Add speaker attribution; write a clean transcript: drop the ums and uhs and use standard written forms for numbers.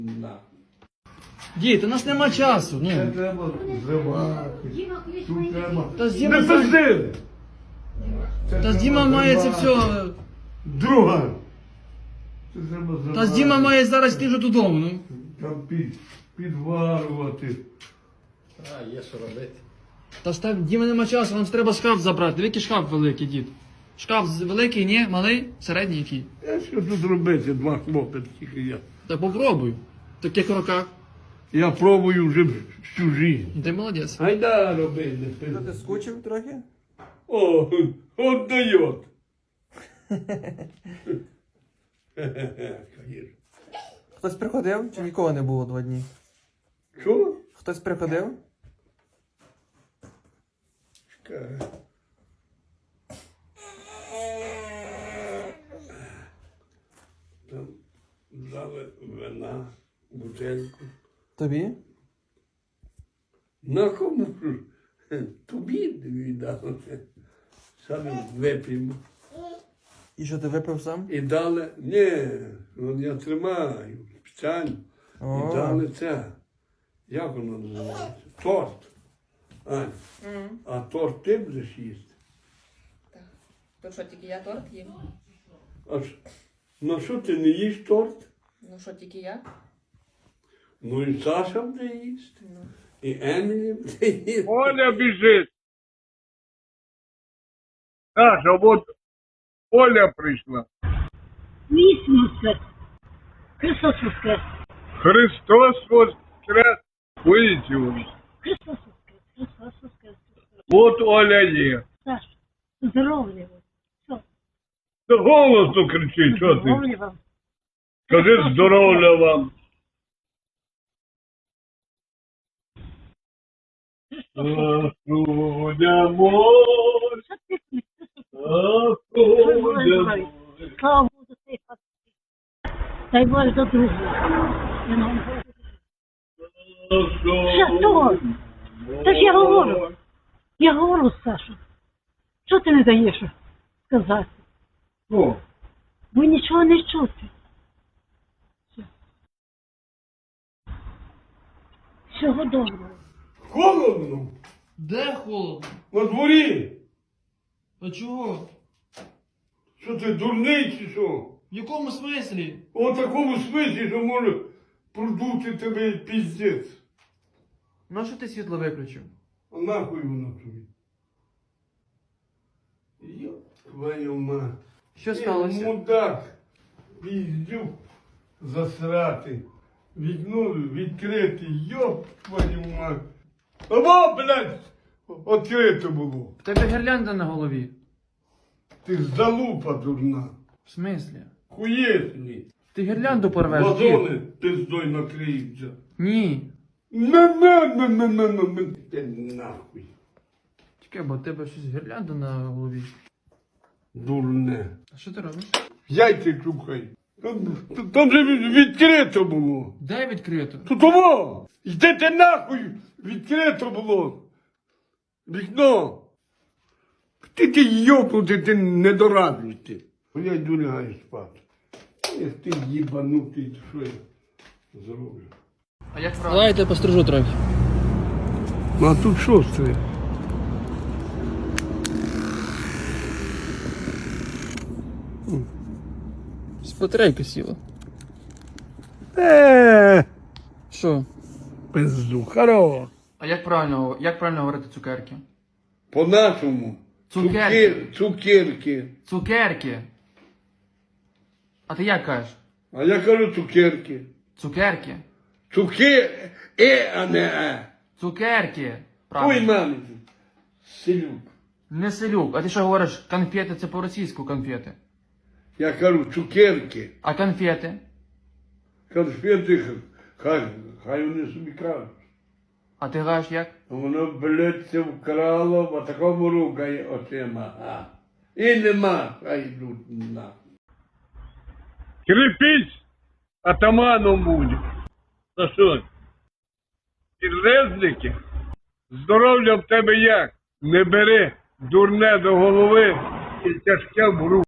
Speaker 1: Дід, у нас нема часу.
Speaker 2: Це
Speaker 1: Ну.
Speaker 2: треба зривати. Тут треба.
Speaker 1: Та з
Speaker 2: Не
Speaker 1: Діма,
Speaker 2: пизди!
Speaker 1: та з Діма має це все.
Speaker 2: Друга. Це треба зривати.
Speaker 1: Та з Діма має зараз йти вже додому. Ну.
Speaker 2: Там підварувати.
Speaker 3: А, є що робити.
Speaker 1: Та ж там Діма нема часу, нам треба шкаф забрати. Диви, який шкаф великий, дід. Шкаф великий, ні? Малий? Середній який?
Speaker 2: Що тут робити? Два хлопці тільки я.
Speaker 1: Та попробуй. В таких роках.
Speaker 2: Я пробую вже всю життя.
Speaker 1: Ти молодець.
Speaker 2: Гайда роби, не пизди.
Speaker 4: Ти скучив трохи?
Speaker 2: О, от дает.
Speaker 4: Хтось приходив чи нікого не було 2 дні?
Speaker 2: Що?
Speaker 4: Хтось приходив?
Speaker 2: Чекай. Там дали вина, бутельку.
Speaker 4: Тобі?
Speaker 2: На кому ж? Тобі віддали. Саме вип'ємо.
Speaker 4: І що ти випив сам?
Speaker 2: І дали, ні, ну, я тримаю спеціально.
Speaker 4: О.
Speaker 2: І дали це. Як воно називається? Торт. Ань, а торт ти будеш їсти?
Speaker 5: То що, тільки я торт їм?
Speaker 2: Ну що ти не їш торт?
Speaker 5: Ну що, тільки я?
Speaker 2: Ну і Саша буде їсти.
Speaker 5: Ну.
Speaker 2: І Емілі буде їсти.
Speaker 6: Оля біжить. Саша, от Оля прийшла.
Speaker 7: Місяць воскрес. Христос воскрес.
Speaker 6: Христос воскрес. Воістину.
Speaker 7: Христос воскрес. Христос воскрес.
Speaker 6: От Оля є.
Speaker 7: Саш, здоров'я вам. Все.
Speaker 6: Та голосно кричи, що ти?
Speaker 7: Здоров'я вам.
Speaker 6: Кажи здоров'я вам. Господя мой,
Speaker 7: Що ти кричиш?
Speaker 6: Господя мой.
Speaker 7: Слава Богу за цей факт. Дай Боже до другого. Я не говорю. Що того? Та ж я говорю. Я говорю, Сашу. Що ти не даєш сказати?
Speaker 6: О,
Speaker 7: Ви нічого не чути. Все. Всього доброго.
Speaker 2: Холодно.
Speaker 1: Де холодно?
Speaker 2: На дворі.
Speaker 1: А чого?
Speaker 2: Що ти дурний чи що?
Speaker 1: В якому смислі?
Speaker 2: У такому смислі, що може продути тебе піздець.
Speaker 1: Ну що ти світло виключив?
Speaker 2: А нахуй воно тобі? Йоп, твою мать.
Speaker 1: Що сталося?
Speaker 2: Мудак, піздюк засрати. Вікно відкрите, йоп твою мать. Або, блядь, відкрите було.
Speaker 1: В тебе гірлянда на голові.
Speaker 2: Ти залупа дурна.
Speaker 1: В смислі?
Speaker 2: Хуєсні.
Speaker 1: Ти гірлянду порвеш, дід?
Speaker 2: Вазони пиздой накриються.
Speaker 1: Ні.
Speaker 2: На. Ти нахуй.
Speaker 1: Чекай, бо в тебе щось гірлянда на голові.
Speaker 2: Дурне.
Speaker 1: А що ти робиш?
Speaker 2: Яйця чухай. Там же відкрито було.
Speaker 1: Де відкрито?
Speaker 2: То того! Йдете нахуй! Відкрито було! Вікно! Ти йопнути, ти недоразвитий. Я йду лягаю спати. Ех ти їбанутий, що я зроблю?
Speaker 1: А як правильно? Давайте пострижу трохи.
Speaker 2: Ну а тут що це?
Speaker 1: Батарейка сіла. Що?
Speaker 2: Пизду, хоро.
Speaker 1: А як правильно говорити цукерки?
Speaker 2: По-нашому.
Speaker 1: Цукерки.
Speaker 2: Цукерки.
Speaker 1: Цукерки. А ти як кажеш?
Speaker 2: А я кажу цукерки.
Speaker 1: Цукерки.
Speaker 2: А не е.
Speaker 1: Цукерки.
Speaker 2: Ой,
Speaker 1: Правильно.
Speaker 2: мамі. Селюк.
Speaker 1: Не селюк. А ти що говориш? Конфети це по-російську конфети.
Speaker 2: Я кажу цукерки.
Speaker 1: А конфети?
Speaker 2: Конфети, хай вони собі кажуть.
Speaker 1: А ти кажеш як?
Speaker 2: Воно, блядь, це вкрало, в такому рукає очима. А. І нема, хай йдуть на.
Speaker 6: крепись, атаманом буде. Та що? Підлезники? Здоров'я в тебе як? Не бери дурне до голови і тяжке в руку.